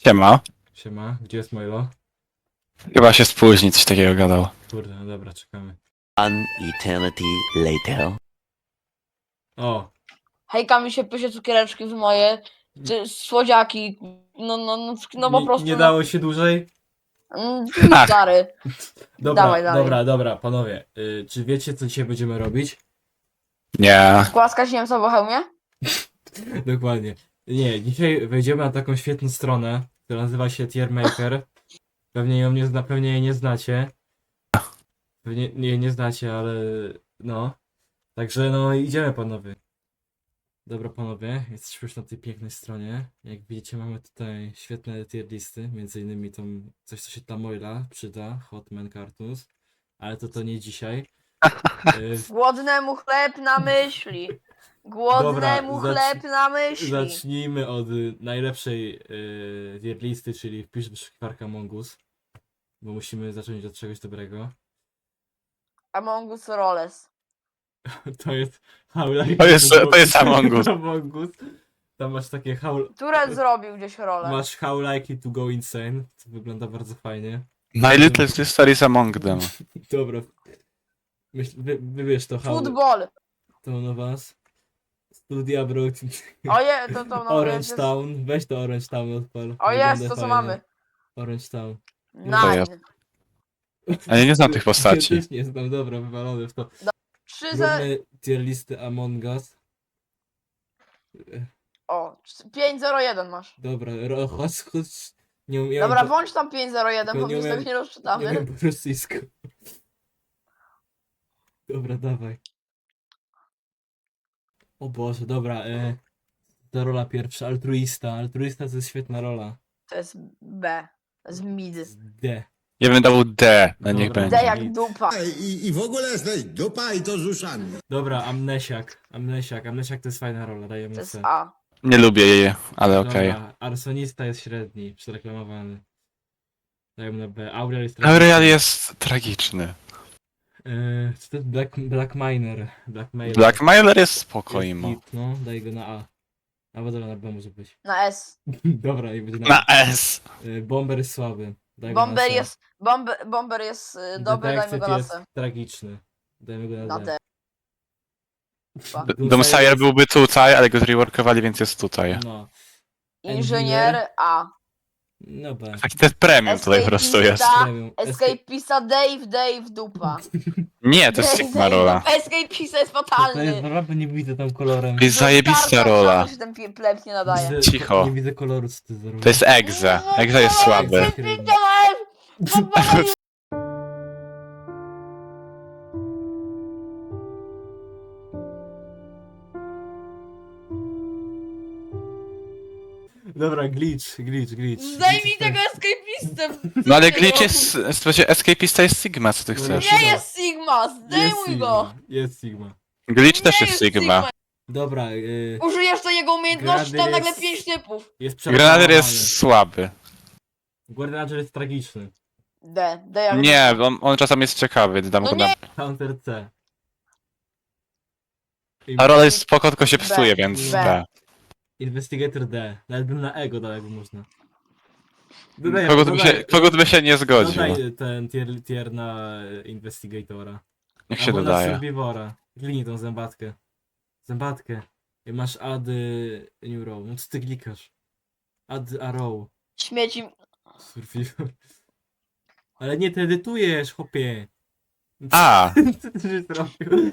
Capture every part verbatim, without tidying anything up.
Siema. Siema, gdzie jest Milo? Chyba się spóźni, coś takiego gadał. Kurde, no dobra, czekamy. One eternity later. O, Hejka mi się pysie cukiereczki w moje, ty, słodziaki, no, no, no, no po nie, prostu. nie dało się dłużej? No, Ach. stary. Dobra, Dawaj dalej. dobra, dobra, panowie. Y, czy wiecie, co dzisiaj będziemy robić? Nie. Głaskać Niemca po hełmie? Dokładnie. Nie, dzisiaj wejdziemy na taką świetną stronę, która nazywa się Tiermaker. Pewnie ją nie, zna, pewnie jej nie znacie. Pewnie jej nie znacie, ale no. Także no idziemy, panowie. Dobra, panowie, jesteśmy już na tej pięknej stronie. Jak widzicie, mamy tutaj świetne tier listy, między innymi tą coś, co się dla Moila przyda, Hotman Cartoons, ale to to nie dzisiaj. Y, Głodnemu chleb na myśli. Głodnemu Dobra, chleb zacz- na myśli. Zacznijmy od y, najlepszej y, tier listy, czyli wpisz wyszukiwarkę Among Us, bo musimy zacząć od czegoś dobrego. Among Us Rolls. To jest How Like To jest- to jest Among Us. Among Us. Tam masz takie how, Które zrobił gdzieś rolę? masz How Likely to Go Insane, co wygląda bardzo fajnie. My little sister is among them. Dobra. Myśl, wy, wybierz to how, Football. to na was. Studia Abroad. Oje, to to no. Orange jest- Town. Weź to Orange Town odpal. O jest, Wygląda to co fajnie. mamy. Orange Town. to jest? Nine. A ja nie znam tych postaci. Ja też nie znam, dobra, wywalony w to. Trzy ze... Zróbmy tier listy Among Us. O, pięć zero jeden masz. Dobra, ro- chodź, chodź. Nie umiem. Dobra, po, włącz tam pięć zero jeden, to bo nie my z umiem- tego nie nie rozczytamy. wiem po rosyjsku. Dobra, dawaj. O Boże, dobra. E, ta rola pierwsza, altruista. Altruista to jest świetna rola. To jest B. To jest mid. D. Ja bym dał D, no niech Dobra. D będzie. jak dupa. I, I w ogóle jesteś dupa i to z uszami. Dobra, Amnesiak. Amnesiak. Amnesiak to jest fajna rola, dajemy To jest C. A. Nie lubię jej, ale okej. Dobra, Arsonista jest średni, przereklamowany. Dajemy na B. Aurel jest Aurelian jest tragiczny. Yy, czy to jest Black, Black Miner? Black Mailer. Blackmailer jest Jest spokojny. hit, no, daj go na A. Albo dobra, na B może być. Na S. Dobra, i będzie na, Na S. Yy, Bomber jest słaby. Daj go na Bomber C. jest, bomber, bomber jest y, dobry, dajmy Detective go na jest C. tragiczny. Dajmy go na, Na D. D. D- Doomsayer byłby tutaj, ale go zreworkowali, więc jest tutaj. No, Inżynier A. no B. Taki ten premium tutaj po prostu jest. Escapista, Premium. Escapista Dave, Dave, dupa. Nie, to jest Dave, Sigma Dave, rola. Escapista jest To jest fatalny. rola, bo nie widzę tam kolorem. To jest zajebista Starka, rola. tam się ten pie- pleb nie nadaje. Widzę- Cicho. Nie widzę koloru, co ty za rola. To jest Exe. Exe jest słaby. Escapista Dave! Dobra, glitch, glitch, glitch. Zdejmij tego escapistę! No ale glitch jest, w sensie escapista jest Sigma, co ty chcesz? Nie jest Sigma, Jest zdejmuj go! Sigma, jest Sigma. Glitch też Nie jest Sigma. Dobra, yy, Użyjesz to jego umiejętności, tam Grader nagle jest- pięć typów. jest Grenader przereklamowany. jest słaby. Guardian jest tragiczny. D, D jak Nie, on, on czasem jest ciekawy, dam No go na... Counter C. I- A rola jest spoko, tylko się B. psuje, więc B. B. Investigator D. Nawet bym na ego dał, jakby można. Dodaj, Kogut by dodaj, się, kogut by się nie zgodził. dodaj ten tier, tier na e, Investigatora. Niech się Albo na dodaje. Survivora. Kliknij tą zębatkę. Zębatkę. I masz add y, new row. No co ty klikasz? Add a row. śmieci. Survivor. Ale nie, ty edytujesz, chłopie. A, Co ty żeś zrobił?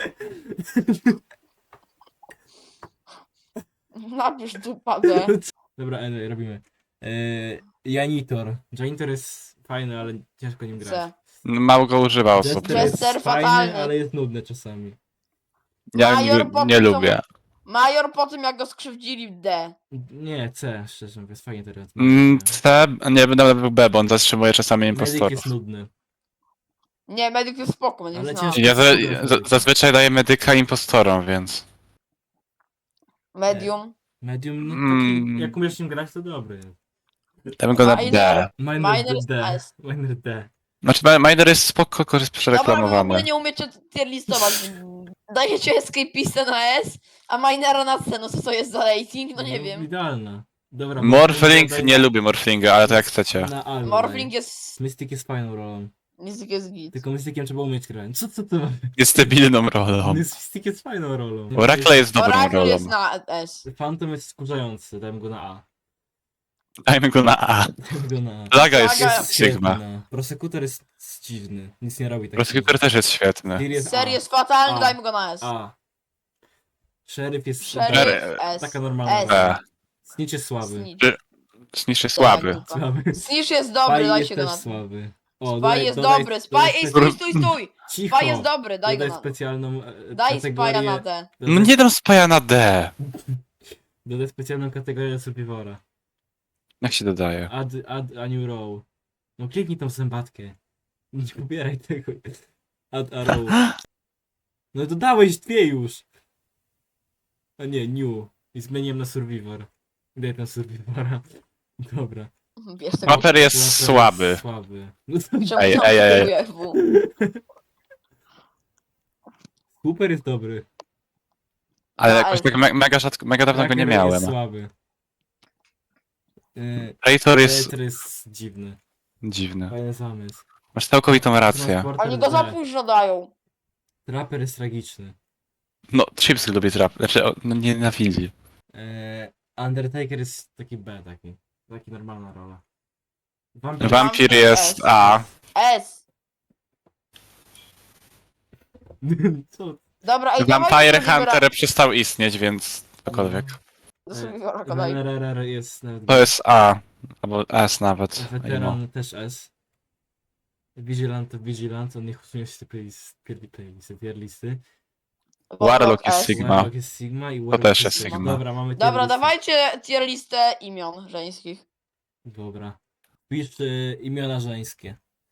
Napisz dupa D. Dobra, anyway, robimy. Eee, Janitor. Janitor jest fajny, ale ciężko nim grać. C. mało go używa osób. Jester Jester jest fajny, fatalny. ale jest nudny czasami. Ja Major nie, potem nie to- lubię. Major po tym jak go skrzywdzili w D. Nie, C, szczerze mówiąc, fajnie teraz. Mm, C, nie będę był B, bo on zatrzymuje czasami Medyk impostorów. jest nudny. Nie, medyk jest spoko, medyk Ale jest ciężko- na- Ja za, za, zazwyczaj daję medyka impostorom, więc... Medium. Medium, nie, Mm. taki, jak umiesz nim grać, to dobry jest. Dam go na Miner. D. Miner, Miner D. S. Miner D. Znaczy, Ma- Miner jest spoko, tylko jest Dobra, wy w ogóle przereklamowany. nie umiecie tier listować. Dajecie escapistę na S, a minera na C, no co to jest za rating? No nie wiem. Idealna. Dobra, Morphling, daj nie na- lubię Morphlinga, ale to jak chcecie. Na A Morphling daj. jest... Mystic jest fajną rolą. Mystic jest git. Tylko Mysticiem trzeba umieć grać. Co, co to? Jest stabilną rolą. Mystic jest fajną rolą. Oracle jest dobrą Oracle rolą. jest na S. Phantom jest skurzający, dajmy go na A. Dajmy go na A. Dajmy go na A. Plaga jest Plaga- Sigma. Świetna. Prosekutor jest dziwny, nic nie robi tak. Prosecutor też jest świetny. Clear jest Ser A. jest fatalny, A. dajmy go na S. A. Sheriff jest Szeryf Szeryf. S. taka normalna. S. rola. B. Snitch jest słaby. Snitch. Snitch jest słaby. Dupa. Słaby. Snitch jest dobry, Spy daj jest się go też na... słaby. O, Spy dodaj- jest dodaj- dobry, Spy... dodaj Ej, spe- stój, stój, stój! Cicho. Spy jest dobry, daj go Dodaj na... specjalną e, Daj kategorię. Spy'a na D. No Dodaj, nie dam spaja na D. dodaj specjalną kategorię Survivora. Jak się dodaje? Add, add a new row. No kliknij tą zębatkę. Nie pobieraj tego. Add a row. No dodałeś dwie już. A nie, new. I zmieniłem na Survivor. Daj tam Survivora. Dobra. Bierz tego... Mapper jest Łapę słaby. jest Słaby. No to Czemu Ej, to ej, ej. kieruje W? Cooper jest dobry. Ale Na jakoś S. tak me mega rzadko, mega dawno go nie Tracker miałem. jest słaby. Yy, Traitor jest Peter jest dziwny. dziwny. Fajny zamysł. Masz całkowitą rację. Transporter Oni go za D. późno dają. Trapper jest tragiczny. No, Chips lubi trap. Znaczy, o, no nienawidzi. Eee, Undertaker jest taki B, taki. Taki normalna rola. Vampir... Vampir jest A. S. Co? Dobra, ej, Vampire dawajcie do Hunter przestał istnieć, więc cokolwiek. Do Survivora go daj. R R R jest nawet To jest A. Albo S nawet. I no. Weteran też S. Vigilant to Vigilant, on niech usunie się z tej playlist- pier- playlisty, tier listy. Warlock jest S. Sigma. Warlock jest Sigma i Warlock też jest Sigma. Dobra, mamy tier Dobra, listę. dawajcie tier listę imion żeńskich. Dobra. Pisz y, imiona żeńskie.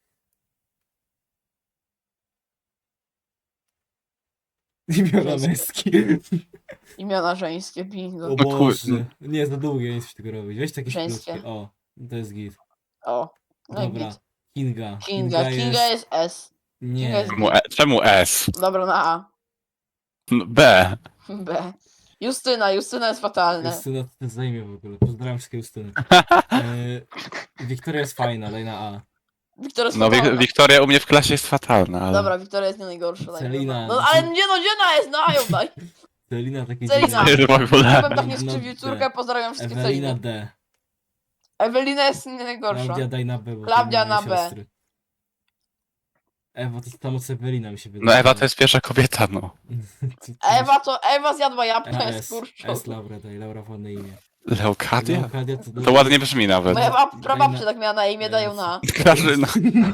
Imiona Żeńskie. męskie. Imiona żeńskie, bingo. O No kur- Boże. Nie, za długie nie chcesz tego robić. Weź takie Żeńskie. krótkie. O, to jest git. O, no i Dobra. git. Kinga. Kinga, Kinga jest S. Nie. Kinga jest- Czemu, e, czemu S? Dobra, na A. No, B. B. Justyna, Justyna jest fatalna. Justyna to jest zajmie w ogóle. Pozdrawiam wszystkie Justyny. E, Wiktoria jest fajna, daj na A. Wiktoria jest No, fatalna. Wik Wiktoria u mnie w klasie jest fatalna, ale... Dobra, Wiktoria jest nie najgorsza. daj mi Celina. go. No ale nie no, gdzie na jest? Na A ją daj. Celina takie Celina. dziwne. w ogóle. Żebym tak nie No, skrzywdził D. córkę, pozdrawiam wszystkie Ewelina Celiny. D. Ewelina jest nie najgorsza. Klaudia daj na B, bo Klaudia to moje na B. siostry. Ewa to samo co Ewelina mi się wydaje. No Ewa to jest pierwsza kobieta, no. Ewa to, Ewa zjadła jabłka, S, jest kurczą. S Laura daj, Laura ładne imię. Leukadia? Leokadia to, To ładnie brzmi nawet. Moja bab, Daj prababcia na- tak miała na imię, dają na Grażyna.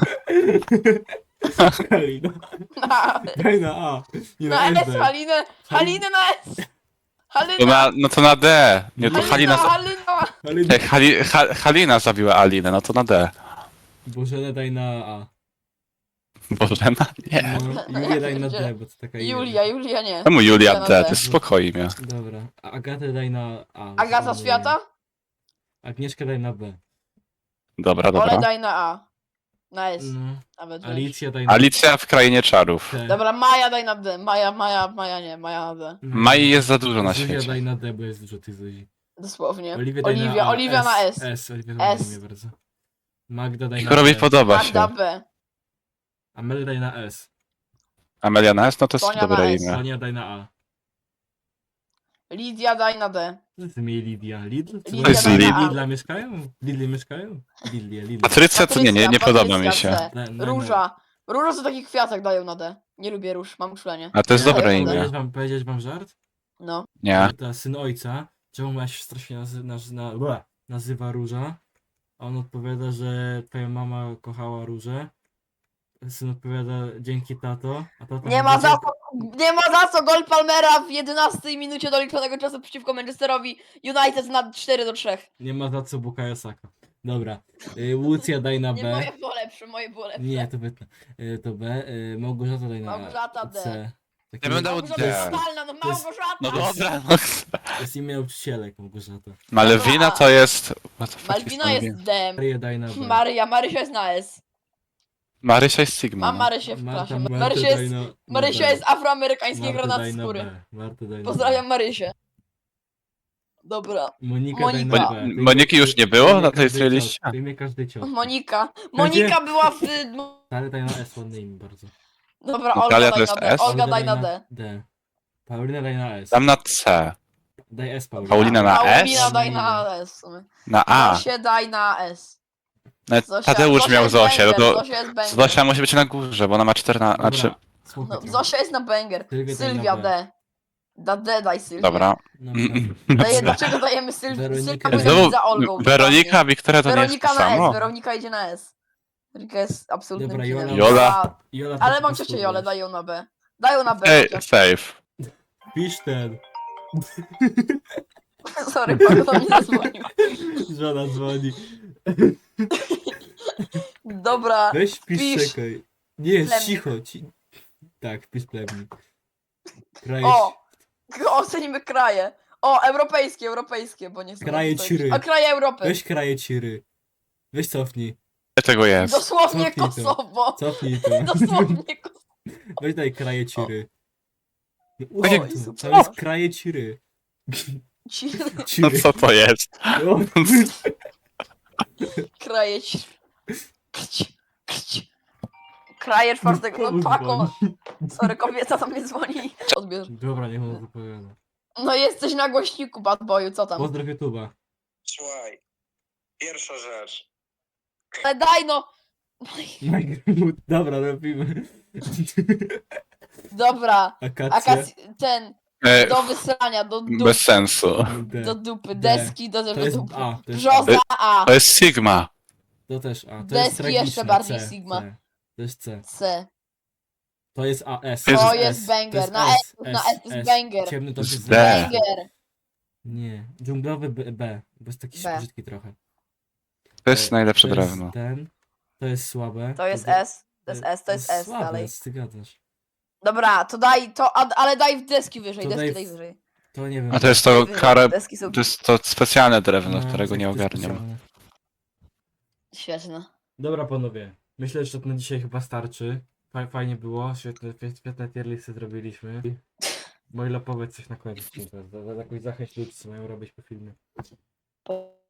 Halina. na, Daj na A. Nie na na S, S. daj. Halinę, Halinę na S. To Halina, na, no to na D. Nie, to Halina, Halina... Halina. Halina. Ej, Hali, ha, Halina zabiła Alinę, no to na D. Bożenę daj na A. Bożena? Nie. No, Julię daj na D, bo to taka imię. Julia, Julia nie. Czemu Julia na D? D. To jest spokojnie mnie. Dobra. A Agatę daj na A. bo to Agata ładne Świata? imię. Agnieszkę daj na B. Dobra, Ole dobra. daj na A. Na S, No. nawet wiesz. Alicja daj na Alicja w Krainie Czarów. T. Dobra, Maja daj na D. Maja, Maja, Maja nie, Maja na D. No. Mai jest za dużo na Zuzia świecie. daj na D, bo jest dużo tych Zuzi. Dosłownie. Oliwia daj Oliwia, na A. Oliwia na S. S, Oliwia S. na imię bardzo. Magda daj na Igorowi B. podoba Magda się. B. Amel daj na S. Amelia na S? No to jest Sonia na dobre S. imię. Sonia daj na A. Lidia daj na D. Co ty mi Lidia? Lidl? Co Lidia to jest daj na Lidl? A. Lidla mieszkają? Lidli mieszkają? Lidlia, Lidl. Patrycja to nie, nie, nie Patrycja, podoba mi Patrycja się. C. Na- na- Róża. Róża to takich kwiatek dają na D. Nie lubię róż, mam uczulenie. A to jest Ja- dobre ja- imię. Powiedzieć wam, powiedzieć wam żart? No. Nie. Ta syn ojca, czemu moja siostra się nazy naz na ble, nazywa Róża? A on odpowiada, że twoja mama kochała Różę. Syn odpowiada, dzięki tato. A tata Nie mówi, ma za "Dzie- co, nie ma za co gol Palmera w jedenastej minucie doliczonego czasu przeciwko Manchesterowi United na cztery do trzech. Nie ma za co Bukayo Saka. Dobra. Y, Łucja daj na Nie, B. moje było lepsze, moje było lepsze. Nie, to wytnę. Y, to B. Y, Małgorzata daj na Małgorzata D. C. Taki Ja bym dał Małgorzata D. jest totalna, no To jest- Małgorzata! No dobra, no. jest imię nauczycielek Małgorzata. Malwina to jest... What the fuck Malwina Malwina? jest D. Maryję daj na B. Maryja, Marysia jest na S. Marysia jest Sigma. Mam no. Marysię w Marta- klasie. Martę Marysia daj jest, na- na Marysia B. jest afroamerykańskiej Martę granaty daj na skóry. B. Martę daj na B. Pozdrawiam Marysię. Dobra. Monika, Monika. daj na Mo- B. Moniki już nie było Wyjmie na tej każdy liście? cios, Wyjmie każdy cios. Monika. Monika była w... Ale daj na S, ładne imię bardzo. Dobra, Natalia Olga to daj jest na D. S? Olga daj na D. D. Paulina daj na S. Dam na C. Daj S, Paulina. Paulina na S? Paulina daj na S. w sumie. Na A. Zosię daj na S. Nawet Zosia- Tadeusz Zosia miał jest Zosię, no banger, to Zosia jest banger. Zosia musi być na górze, bo ona ma czternaście, Dobra, znaczy... słuchaj No, trochę. Zosia jest na banger. Sylwia daj Sylwia na B. D. Da D daj Sylwia. Dobra. No, Daje, dlaczego dajemy Sylwię? Weronika Sylwia daj- powinna Znowu być za Olgą. Weronika, Wiktoria to nie jest Weronika to na S, samo. Weronika idzie na S. Weronika jest absolutnym Dobra, kinem. Jola- Jola. Jola, Ale to mam po ciocię prostu Jolę, wiesz. daj ją na B. Daj ją na B Ej, chociaż. safe. Pisz ten. Sorry, pan do mnie zadzwonił. Żona dzwoni. Dobra, Weź pisz, Pisz. czekaj. Nie, Plemnik. cicho. Ci... Tak, pisz plemnik. Kraj... o! Ocenimy kraje. O, europejskie, europejskie, bo nie są. Kraje to- ciry. A kraje Europy. Weź kraje ciry. Weź cofnij. Ile tego jest? Dosłownie Cofnij to. Kosowo. Cofnij to. Dosłownie Kosowo. Weź daj kraje ciry. No, Tak usuń jak- to. super. To jest kraje ciry. Ci- No Ciry. co to jest? No. Kraje ciry. Krć, krć. Kraje czwartego. No Komu pako. dzwoni? Sorry, kobieta do mnie dzwoni. Odbierz. Dobra, niech on wypowiada. No jesteś na głośniku, bad boyu, co tam? Pozdrow YouTube'a. Słuchaj, pierwsza rzecz. Ale daj no! Dobra, robimy. Dobra. Akacja. Akac... ten. E, Do wysrania, do dupy. bez sensu. D. Do dupy. D. Deski do To jest dupy. A. To jest Brzoza A. To jest Sigma. To też A. To Deski jest tragiczne. jeszcze bardziej C, Sigma. C. To jest C. C. To jest A, S. To To jest jest S. banger. To Na jest S, na S jest banger. Ciemny to jest D. Banger. Nie. Dżunglowy B, B. Bo jest taki B. brzydki trochę. To jest najlepsze to drewno. Jest ten. To jest słabe. To jest D- S. To jest S, to jest S słabe, dalej. Ty gadasz. Dobra, to daj to, a- ale daj deski wyżej, To deski daj daj w- wyżej. To nie wiem. A to jest Daj to wyżej. karę... Deski są To jest to specjalne drewno, No, którego tak, nie to jest ogarniam. specjalne. świetne. Dobra panowie, myślę, że to na dzisiaj chyba starczy. Fa- Fajnie było, świetne, świetne tier listy zrobiliśmy. Moilo, powiedz coś na koniec, za- za- za- jakąś zachęć ludzi, co mają robić po filmie. Po-